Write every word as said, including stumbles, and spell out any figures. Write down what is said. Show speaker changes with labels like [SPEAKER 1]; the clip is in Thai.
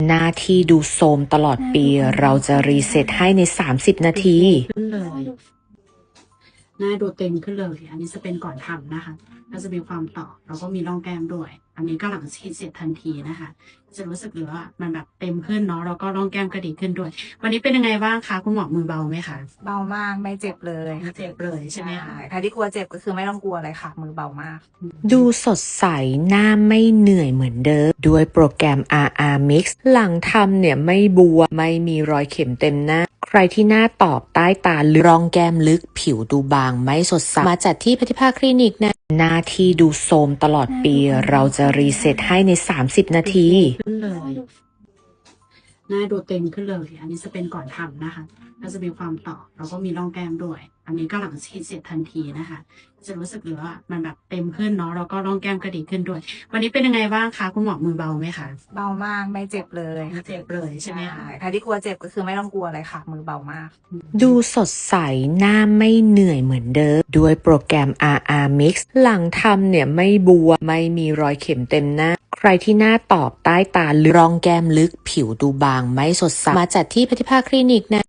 [SPEAKER 1] หน้าที่ดูโทรมตลอดปี เราจะรีเซ็ตให้ใน สามสิบ นาที
[SPEAKER 2] ขึ้นเลยหน้าดูเต็มขึ้นเลย อันนี้จะเป็นก่อนทำนะคะก็จะมีความต่อแล้วก็มีร่องแก้มด้วย อันนี้ก็หลังฉีดเสร็จทันทีนะคะ จะรู้สึกเลยว่ามันแบบเต็มขึ้นเนาะแล้วก็ร่องแก้มก็ดีขึ้นด้วย วันนี้เป็นยังไงบ้างคะคุณหมอมือเบาไหมคะ
[SPEAKER 3] เบามากไม่เจ็บเลย
[SPEAKER 2] ไม่เจ็บเลยใช่ไหมคะ
[SPEAKER 3] ใครที่กลัวเจ็บก็คือไม่ต้องกลัวเลยค่ะ มือเบามาก
[SPEAKER 1] ดูสดใสหน้าไม่เหนื่อยเหมือนเดิม ด้วยโปรแกรม อาร์ อาร์ Mix หลังทำเนี่ยไม่บวมไม่มีรอยเข็มเต็มหน้า ใครที่หน้าตอบใต้ตาลึกร่องแก้มลึกผิวดูบางไม่สดใส มาจัดที่พัทธิภาคลินิกนะ หน้าที่ดูโทรมตลอดปี เราจะรีเซ็ตให้ใน สามสิบ นาที
[SPEAKER 2] ขึ้นเลยหน้าดูเต็มขึ้นเลย อันนี้จะเป็นก่อนทำนะคะ ก็จะมีความต่อแล้วก็มีร่องแก้มด้วย อันนี้ก็หลังฉีดเสร็จทันทีนะคะ จะรู้สึกเลยว่ามันแบบเต็มขึ้นเนาะแล้วก็ร่องแก้มก็ดีขึ้นด้วย วันนี้เป็นยังไงบ้างคะคุณหมอมือเบาไหมคะ
[SPEAKER 3] เบามากไม่เจ็บเลย
[SPEAKER 2] ไม่เจ็บเลยใช่ไหมคะ
[SPEAKER 3] ใครที่กลัวเจ็บก็คือไม่ต้องกลัวเลยค่ะ มือเบามาก
[SPEAKER 1] ดูสดใสหน้าไม่เหนื่อยเหมือนเดิม ด้วยโปรแกรม อาร์ อาร์ Mix หลังทำเนี่ยไม่บวมไม่มีรอยเข็มเต็มหน้า ใครที่หน้าตอบใต้ตาลึกร่องแก้มลึกผิวดูบางไม่สดใส มาจัดที่พัทธิภาคลินิกนะ